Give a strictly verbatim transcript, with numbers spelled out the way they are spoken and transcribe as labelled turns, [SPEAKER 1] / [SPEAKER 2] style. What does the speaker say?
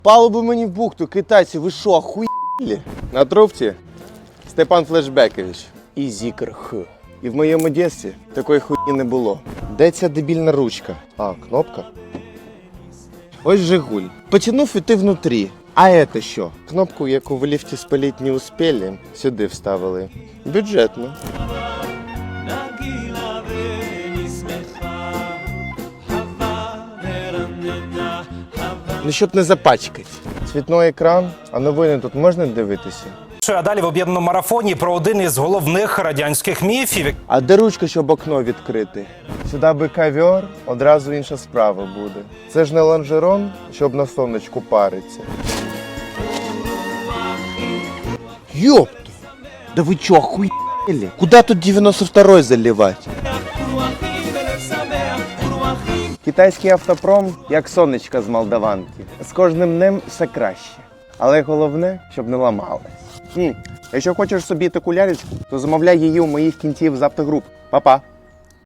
[SPEAKER 1] Палубу мені в бухту, китайці, ви що, охуєлі? На трубці Степан Флешбекович і Зікр Х. І в моєму дєстві такої хуйні не було. Де ця дебільна ручка? А, кнопка. Ось Жигуль. Потянув і ти внутрі. А це що? Кнопку, яку в ліфті спалити не успіли, сюди вставили. Бюджетно. Ну, щоб не запачкати. Цвітний екран, а новини тут можна дивитися?
[SPEAKER 2] А далі в об'єднаному марафоні про один із головних радянських міфів.
[SPEAKER 1] А де ручка, щоб окно відкрити? Сюди би ковер, одразу інша справа буде. Це ж не лонжерон, щоб на сонечку париться. Йопта! Да ви чо, охуєлі? Куда тут дев'яносто второй заливати? Китайський автопром, як сонечка з молдаванки. З кожним днем все краще. Але головне, щоб не ламалось. Хм. Якщо хочеш собі таку лялечку, то замовляй її у моїх кінців з автогруп. Па-па!